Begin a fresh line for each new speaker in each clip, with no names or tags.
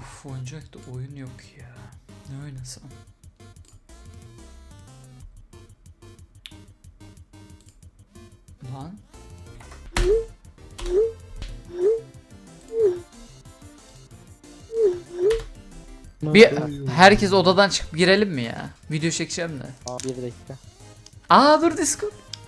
Of, oyuncakta oyun yok ya. Ne oynasam? Lan. Bir herkes odadan çıkıp girelim mi ya? Video çekeceğim de.
Bir dakika.
Aa dur, Discord.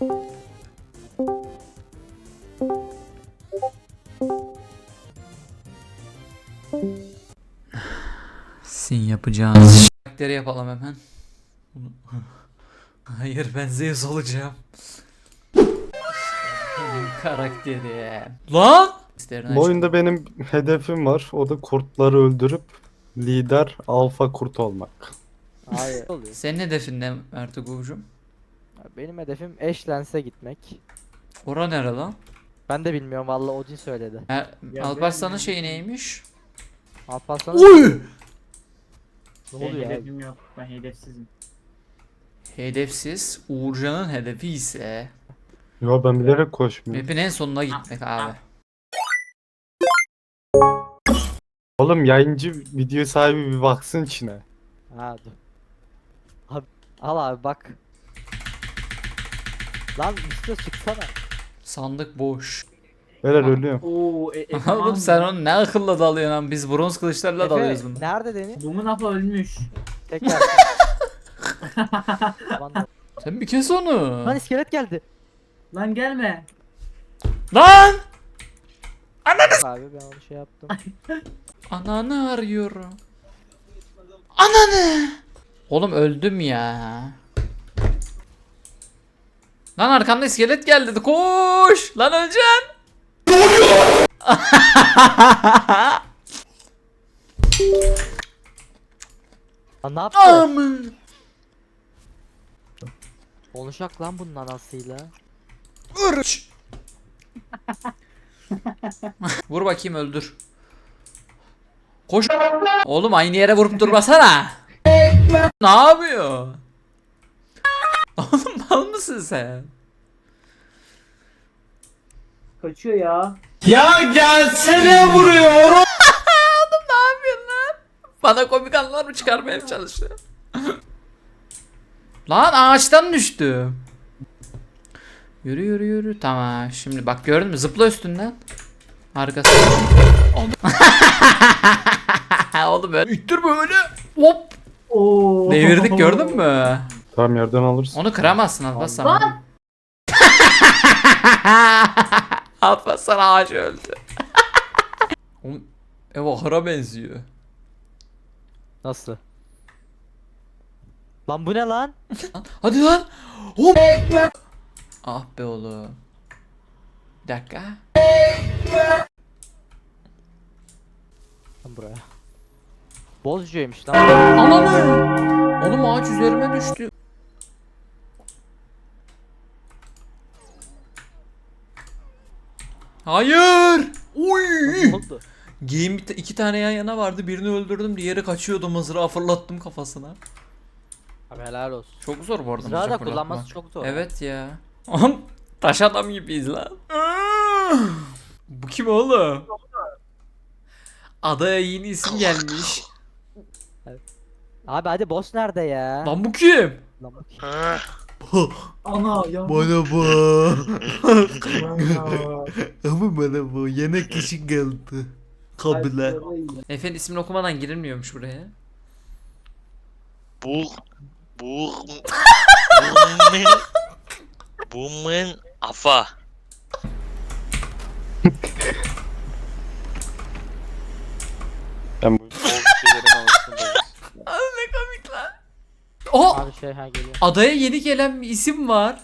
Sin yapacağınız karakteri yapalım hemen. Hayır, ben Zeus olacağım. Benim karakteri. Lan!
Bu oyunda benim hedefim var. O da kurtları öldürüp lider alfa kurt olmak.
Hayır. Oluyor.
Senin hedefin ne Ertuğrul'cum?
Benim hedefim Ashlands'e gitmek.
Ora nere lan?
Ben de bilmiyorum vallahi Odin söyledi.
Alparslan'ın şeyi neymiş?
Alparslan'ın
Oy!
ne
Benim
oluyor abi?
hedefim yok. Ben hedefsizim.
Hedefsiz. Uğurcan'ın hedefi ise
Yo, ben bilerek koşmuyorum.
map'in en sonuna gitmek abi.
Oğlum, yayıncı video sahibi bir baksın içine.
Ha dur. Abi, al abi bak. Lan üstüne çıksana.
Sandık boş.
Beyler ölüyorum.
Oo,
Oğlum sen onu ne akılla dalıyorsun lan? Biz bronz kılıçlarla dalıyoruz bunu.
Nerede Deniz?
Bumun apa ölmüş.
Tekrar. Lan
Sen bir kes onu.
Lan iskelet geldi.
Lan gelme.
Lan!
Abi ben onu şey yaptım.
Ananı arıyorum. Ananı! Oğlum öldüm ya. Lan arkamda iskelet geldi. Koş! Lan öleceksin. Ne oluyor?
Lan ne yaptı?
Amın.
Konuşak lan bunun anasıyla.
Irç. Vur bakayım, öldür. Koş. Oğlum aynı yere vurup durmasana. Ne yapıyor? Oğlum mal mısın sen?
Kaçıyor ya.
Ya gelsene vuruyor. Oğlum ne yapıyorsun lan? Bana komik anlar mı çıkarmaya çalışıyor? Lan ağaçtan düştü. Yürü yürü yürü. Tamam, şimdi bak gördün mü? Zıpla üstünden. Harikasın. Oğlum böyle üttür böyle. Hop.
Oo.
Devirdik, gördün mü?
Tamam, yerden alırsın.
Onu kıramazsın Alparslan. Alparslan ağaç öldü. Oğlum ev ahıra benziyor.
Nasıl? Lan bu ne lan?
Hadi lan. Hop. Ah be oğlum. Bir dakika.
Lan buraya. Bozcuymuş lan.
Ananı. Oğlum ağaç üzerime düştü. Hayır. Uy.
Ne oldu?
Game iki tane yan yana vardı. Birini öldürdüm, diğeri kaçıyordu. Mızrağı fırlattım kafasına.
Abi helal olsun.
Çok zor bu arada.
Mızrağı da
mızrak
kullanması
fırlatmak.
çok zor.
Evet ya. Oğlum taş adam gibiyiz lan. Bu kim oğlum? Adaya yeni isim gelmiş.
Abi hadi boss nerede ya?
Lan bu kim?
Lan bak.
Ana ya.
Bana bak.
Ana.
Ama bana bu yemek kişi geldi. Kabile. Efendim ismini okumadan girilmiyormuş buraya.
Bu Bumun afa.
Ben bu
Abi ne komik lan. Oh!
Abi şey ha geliyor.
Adaya yeni gelen bir isim var.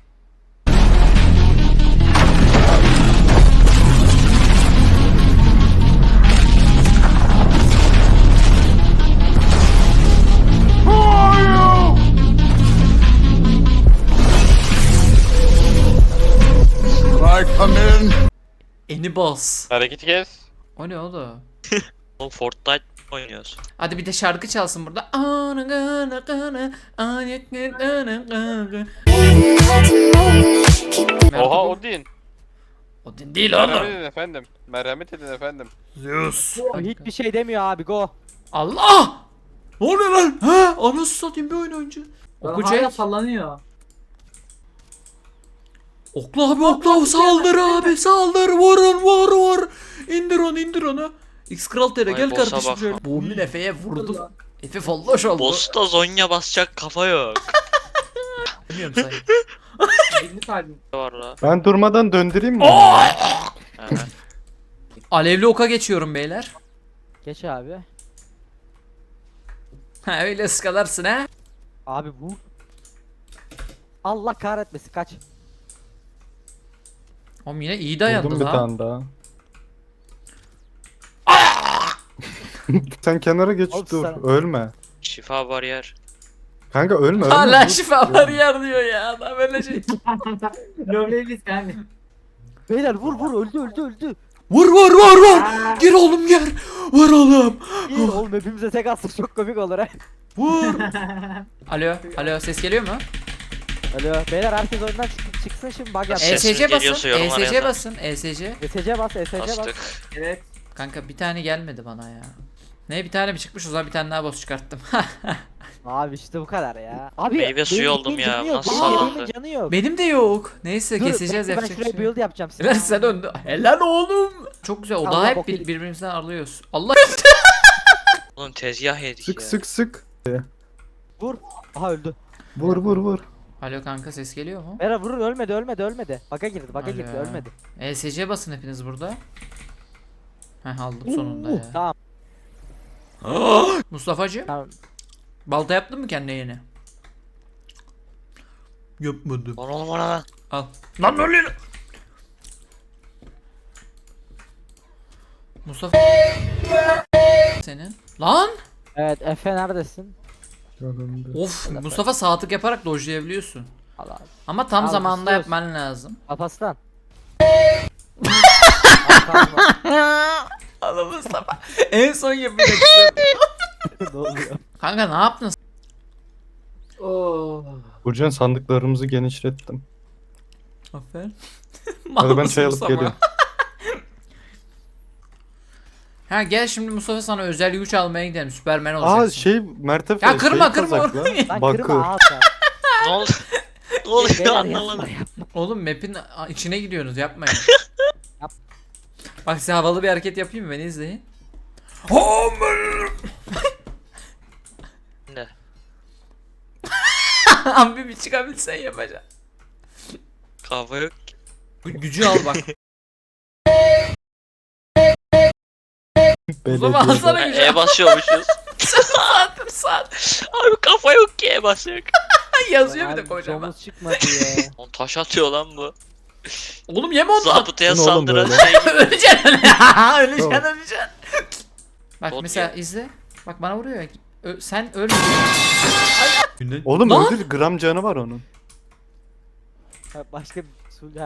Enibas.
Hareketi kes.
O ne oğlum?
Oğlum Fortnite oynuyoruz.
Hadi bir de şarkı çalsın burada.
Oha Odin.
Odin değil
Merhamet
oğlum.
edin efendim. Merhamet edin efendim.
Zeus.
Hiçbir şey demiyor abi go.
Allah! Ne oluyor lan? Ha? Anasını satayım bir oyun oyuncu.
Lan
Oku
hala
Jack.
sallanıyor.
Okla abi okla saldır abi saldır vurun vur. İndir onu. X Kral TR
Vay
gel
boss'a
kardeşim
bak.
şöyle. Buğmin Efe'ye vurdu.
Lan.
Efe folloş oldu.
Boss'ta Zonya basacak kafa yok.
Bilmiyorum sen.
Birini kalbim.
Var la.
Ben durmadan döndüreyim mi?
Aha.
Alevli oka geçiyorum beyler.
Geç abi.
Ha öyle ıskalarsın ha.
Abi vur. Allah kahretmesin kaç.
Oğlum yine iyi
Vurdum
dayandı
bir
lan.
tane daha. Sen kenara geç
Oğlum
dur.
sen-
Ölme.
Şifa bariyer.
Kanka ölme.
Hala
dur.
şifa var yer diyor ya. Adam öyle şey.
Lovelace kanka.
Beyler vur öldü.
Vur. Gir oğlum gir. Vur oğlum.
İyi oğlum hepimize tek atsak çok komik olur ha.
Vur. Alo ses geliyor mu?
Alo beyler herkes oyundan çıksın şimdi bug yap.
Ses- Sesiniz
ESC basın.
geliyorsa yorumlara
ESC
yazın.
basın. ESC.
ESC bas ESC bas.
Bastık.
Evet.
Kanka bir tane gelmedi bana ya. Ne bir tane mi çıkmış o zaman bir tane daha boss çıkarttım.
Abi işte bu kadar ya. Abi
Meyve suyu
benim
oldum
yemeğin
ya,
canı yok,
nasıl
benim yemeğimin
sallandı?
canı yok.
Benim de yok. Neyse
Dur,
keseceğiz
bekle, ben
yapacak bir
şuraya
şey.
build yapacağım size.
Helal sen döndü. Helal oğlum. Çok güzel. O
Allah
daha hep
bok yedik.
birbirimizden arlıyoruz. Allah.
Oğlum tezgah yedik
Sık
ya.
sık.
Vur. Aha öldü.
Vur.
Alo kanka ses geliyor mu?
Beyler vurun ölmedi. Bug'a girdi
Alo.
ölmedi.
ESC basın hepiniz burada. Heh aldım sonunda ya.
Tamam
Mustafa'cığım
tamam.
balta yaptın mı kendine yeni? Yapmadım.
Lan oğlum ona lan.
Al. Lan ne oluyor? Mustafa senin. Lan!
Evet Efe neredesin?
Of Mustafa sağ tık yaparak dojlayabiliyorsun.
Allah abi.
Ama tam
Al,
zamanında
istiyoruz.
yapman lazım.
Alparslan.
Allah Mustafa. En son yapacaksın.
Ne oluyor?
Kanka ne yaptın?
Oo.
Burcan sandıklarımızı genişlettim.
Aferin.
Hadi ben çay alıp geliyorum.
Ha gel şimdi Mustafa sana özel güç almaya gidelim. Süpermen olacaksın.
Aa şey Mertefe
Ya kırma,
şey
kırma
kazakla.
orayı.
Lan
Bakır.
kırma ağız ya.
Ne oldu? Ne oluyor
Beyler
anlamadım.
yapma.
Oğlum map'in içine gidiyorsunuz yapmayın.
Yap.
Bak size havalı bir hareket yapayım mı? Beni izleyin.
Ne?
Abi bir çıkabilsen yapacaksın.
Kafa yok.
Gücü al bak.
Belediye.
Mustafa alsana gücü.
E basıyormuşuz.
Saat.
Abi kafa yok ki e basıyor.
Yazıyor bir de
Abi,
kocaman.
domuz çıkmadı ya.
On taş atıyor lan bu.
Oğlum yeme ondan.
Zabıtaya
Bu ne oğlum
saldıran
böyle?
şey gibi.
Öleceksin. Öleceksin
Tamam.
öleceksin. Bak
Bot
mesela
ya.
izle. Bak bana vuruyor ya. Sen ölme.
Oğlum
Lan!
öldür gram canı var onun.
Ha, başka bir sulh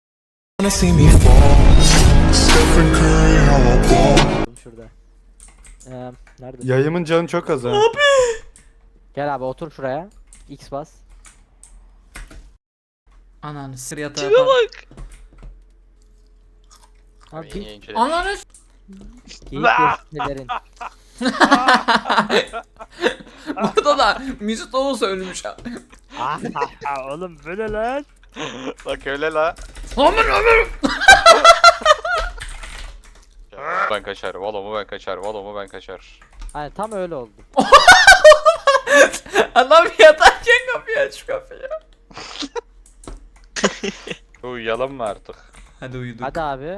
şurada. Nerede?
Yayımın canı çok az ha.
Gel abi otur şuraya. X bas.
Ananı sır yatağa
Tipe bak.
Abi
Ananı
geyik gösterilerin.
Burada da Mesut Oğuz ölmüş abi.
Oğlum böyle lan.
Bak öyle la.
Aman aman.
Ben kaçar. Valomu ben kaçar. Valomu ben kaçar.
Hani tam öyle oldu.
Adam yatarken kapıyı aç şu kapıyı.
Uyuyalım mı artık?
Hadi uyuduk.
Hadi abi.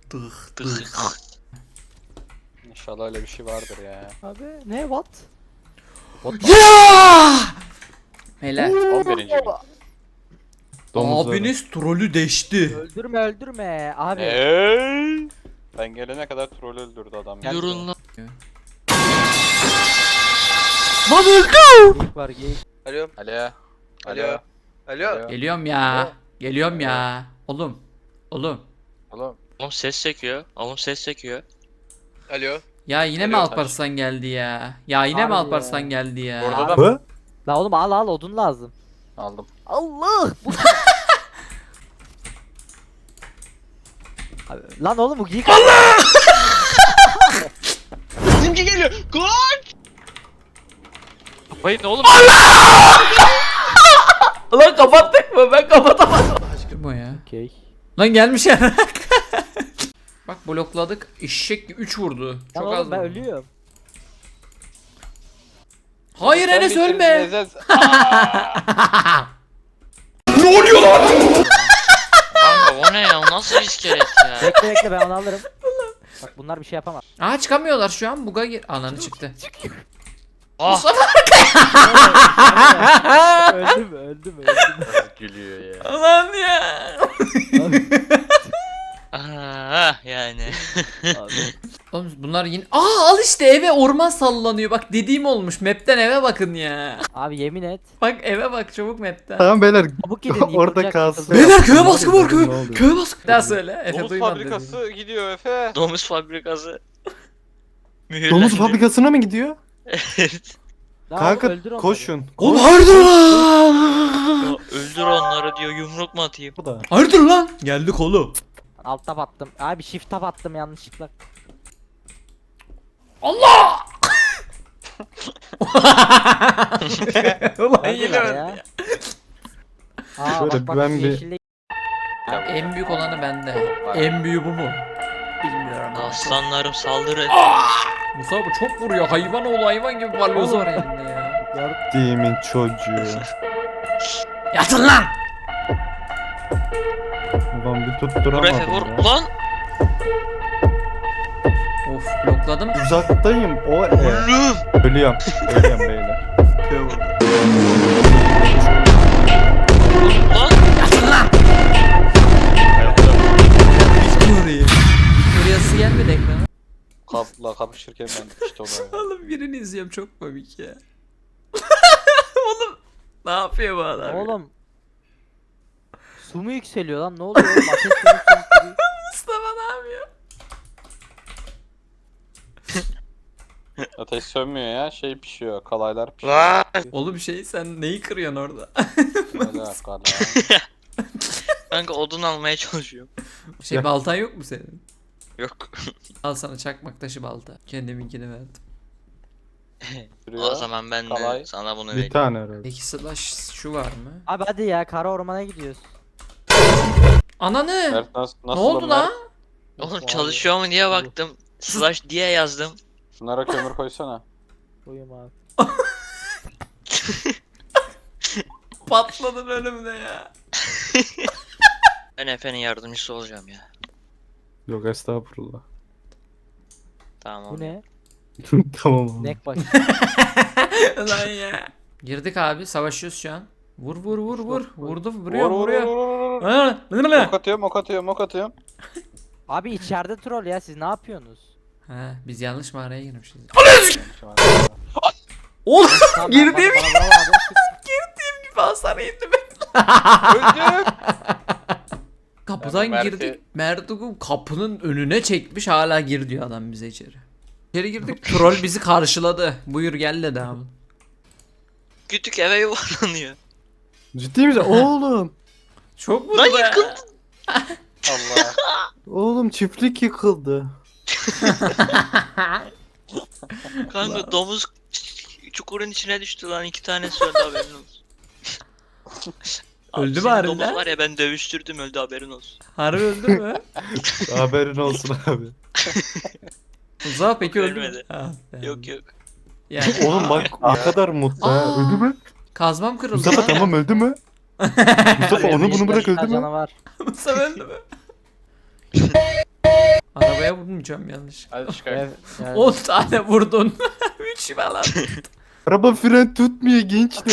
İnşallah öyle bir şey vardır ya.
Abi ne what?
Ya! Beyler
11. gün.
Domuzları.
abiniz trolü deşti.
Öldürme abi.
Ben gelene kadar troll öldürdü adam. ya.
Yürün lan.
Lan öldü.
Geyik var geyik.
Alo. Alo. Alo. Alo.
Geliyorum ya. Geliyorum ya. Oğlum.
Oğlum.
Oğlum ses çekiyor. Oğlum ses çekiyor.
Alo.
Ya yine mi
Alo.
Alparslan geldi ya? Ya yine mi
Harbi
Alparslan
ya.
geldi ya?
Orada da
Bu?
La oğlum al odun lazım.
aldım.
Allah! Bu Abi, lan oğlum bu giyik.
Bizimki geliyor. Koş! Hayır ne oğlum?
Lan kapattık mı? Ben kapatamadım. Aşkım o ya.
Okey.
Lan gelmiş ya. Bak blokladık. Eşek gibi 3 vurdu.
Lan
Çok
oğlum
az
ben
vurdu.
ölüyorum.
Hayır Enes ölme.
Kanka o ne ya? Nasıl bir iskelet ya?
Bekle bekle ben onu alırım. Bak bunlar bir şey yapamaz.
Aa çıkamıyorlar şu an. Buga gir. Ananı çıktı.
Ah
öldüm.
Gülüyor ya.
Aman ya.
yani.
Oğlum bunlar yine... Aa al işte eve orman sallanıyor. Bak dediğim olmuş. Map'ten eve bakın ya.
Abi yemin et.
Bak eve bak çabuk map'ten.
Tamam beyler.
Çabuk gidin.
Orada
yıkılacak,
kalsın.
yıkılacak.
Beyler köye
Ne
baskı
oluyor,
var köye.
ne oluyor?
Köye baskı. Daha söyle. Efe
Domuz
duymadı.
fabrikası gidiyor Efe.
Domuz fabrikası. Mühürlendi.
Domuz fabrikasına mı gidiyor?
Evet.
Lan
Kanka
oğlum öldür onları.
koşun.
Oğlum hayırdır lan?
Ya öldür onları diyor, yumruk mu atayım?
Bu da.
Hayırdır lan? Geldik oğlum.
Alt tab attım. Abi shift tab attım yanlışlıkla.
Allah! Ulan yine
Öldüler
öldü.
ya. Aa
Şöyle
bak bak
ben bir-
yeşille
En büyük olanı bende. En büyüğü bu mu? Bilmiyorum.
Aslanlarım saldırı.
Musa bu çok vuruyor. Hayvan oğlu hayvan gibi balyoz var elinde ya.
Demin çocuğu.
Yatın lan!
Ulan bir
Vur Efe
tutturamadım
vur.
ya.
Ulan!
Of blokladım.
Uzaktayım o
Oğlum!
Ölüyorum. Ölüyorum beyler.
Ulan!
Orayı. Victoria'sı gelmedi ekrana.
Kapla kapışırken ben işte onu.
Oğlum birini izliyorum çok komik ya. Oğlum ne yapıyor bu adam? ya?
Oğlum. Su mu yükseliyor lan ne oluyor oğlum ateş su yükseliyor.
Mustafa ne yapıyor?
Ateş sönmüyor ya şey pişiyor kalaylar pişiyor.
Lan!
Oğlum şey sen neyi kırıyorsun orada?
Kalay, kalay.
Kanka odun almaya çalışıyorum.
Şey baltan yok mu senin?
Yok.
Al sana çakmak taşı balta. Kendiminkini verdim.
O zaman ben de
Kalay.
sana bunu
Bir
vereyim.
tane herhalde.
Peki slash şu var mı?
Abi hadi ya kara ormana gidiyoruz.
Ananı!
Mert nasıl
Ne oldu lan?
Oğlum çalışıyor mu diye baktım. Slash diye yazdım.
Şunlara kömür koysana.
Koyayım abi.
Patladın önümde ya.
Ben Efe'nin yardımcısı olacağım ya.
Yok estağfurullah.
Tamam.
Bu ne?
Tamam oğlum.
Nek baş.
Lan ya. Girdik abi savaşıyoruz şu an. Vur vur vur vur. Vurdu
Vur
vuruyor
vur vur
vuruyor.
vur.
Ha, ne ne?
Ok atıyorum ok atıyorum ok atıyorum.
Abi içeride troll ya siz ne yapıyorsunuz?
Ha biz yanlış mağaraya girmişiz. Oğlum
Tamam,
girdiğim
bana vuramadı.
gibi hasar yedim ben.
Öldüm.
Kapıdan
Ben bu Mert'i-
girdik. Mert'u kapının önüne çekmiş hala gir diyor adam bize içeri. İçeri girdik troll bizi karşıladı. Buyur gel dedi abi.
Kütük eve yuvarlanıyor.
Ciddi misin? Oğlum.
Çok
Lan
vurdu ya.
yıkıldı.
Allah.
Oğlum çiftlik yıkıldı.
Kanka domuz çukurun içine düştü lan 2 tane söndü haberin olsun. Abi
Öldü mü
senin
harbiden?
domuz var ya ben dövüştürdüm öldü haberin olsun.
Harbi öldü mü?
Haberin olsun abi.
Uzağa peki öldü mü?
Ölmedi.
Ah be.
Yok yok.
Yani
Oğlum bak ne kadar mutlu ha.
Aa.
Öldü mü?
kazmam kırıldı.
Mustafa
lan.
tamam öldü mü? Mustafa onu bunu bırak öldü mü?
Canavar.
Mustafa öldü mü? Arabaya vurmayacağım yanlış.
Hadi çıkar.
Evet, yani.
10 tane vurdun. 3 falan.
Araba fren tutmuyor gençler.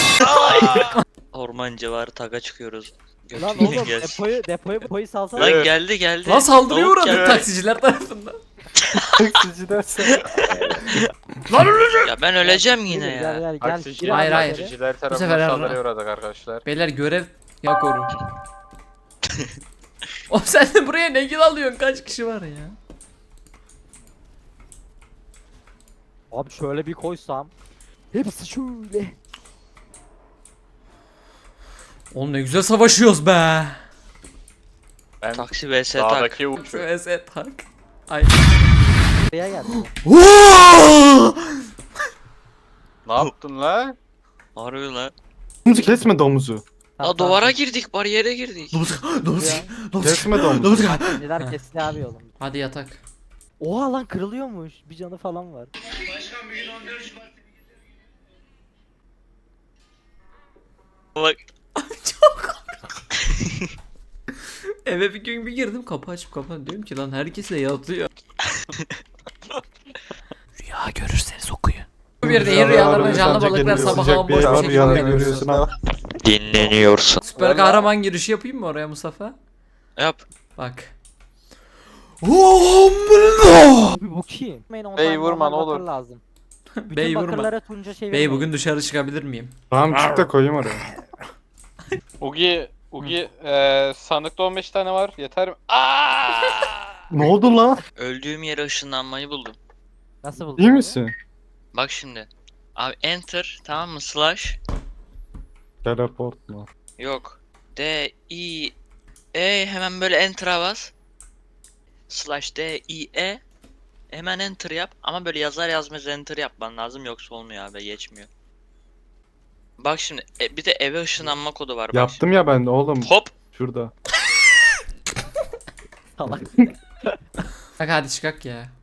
Orman civarı taga çıkıyoruz.
Lan
Götünden
oğlum
gelsin.
depoyu salsana.
Lan geldi geldi.
Lan saldırıya
Tavuk
uğradık
geldi.
taksiciler tarafından.
Taksiciler sen.
Lan öleceğim.
Ya ben öleceğim yine
Gel
ya.
gel gel.
Taksici-
Gir
Hayır,
abi
hayır.
içeri.
Taksiciler
sefer
tarafından
Erra.
saldırıya uğradık arkadaşlar.
Beyler görev ya koru. Oğlum sen de buraya ne gil alıyorsun? Kaç kişi var ya?
Abi şöyle bir koysam. Hepsi şöyle.
Oğlum ne güzel savaşıyoruz be.
Ben
Taksi vs tak.
dağdaki uç.
VS tak. Ay.
Buraya geldi.
Ne yaptın la?
Harbi lan.
Domuzu kesme domuzu.
La duvara girdik, bariyere girdik.
Kesme domuzu.
Neler kesti abi oğlum.
Hadi yatak.
Oha lan kırılıyormuş. Bir canı falan var.
Bak.
Eve bir gün bir girdim, kapı açıp kapan, diyorum ki lan herkes de yatıyor. Rüya görürseniz okuyun. Bir de rüyalarına canlı balıklar sabaha
Sıcak bir yer
bomboş
var,
bir
rüyanda
şekilde
görüyorsun ama.
Dinleniyorsun.
Süper kahraman girişi yapayım mı oraya Mustafa?
Yap.
Bak.
Abi bu kim?
Bey vurma, ne olur.
Lazım. Bütün
Bey vurma.
bakırlara tunca çevirmeyin.
Bey bugün dışarı çıkabilir miyim?
Tamam çık da koyayım oraya.
Ugi, sandıkta 15 tane var. Yeter mi?
Ne oldu lan?
Öldüğüm yere ışınlanmayı buldum.
Nasıl buldun?
İyi
abi?
misin?
Bak şimdi. Abi enter, tamam mı? Slash.
Teleport mu?
Yok. D I E, hemen böyle enter'a bas. Slash D I E. Hemen enter yap ama böyle yazar yazmaz enter yapman lazım, yoksa olmuyor abi, geçmiyor. Bak şimdi bir de eve ışınlanma kodu var, bak
Yaptım ya ben de oğlum.
şimdi. Hop.
Şurada.
Salak.
Bak hadi çıkak ya.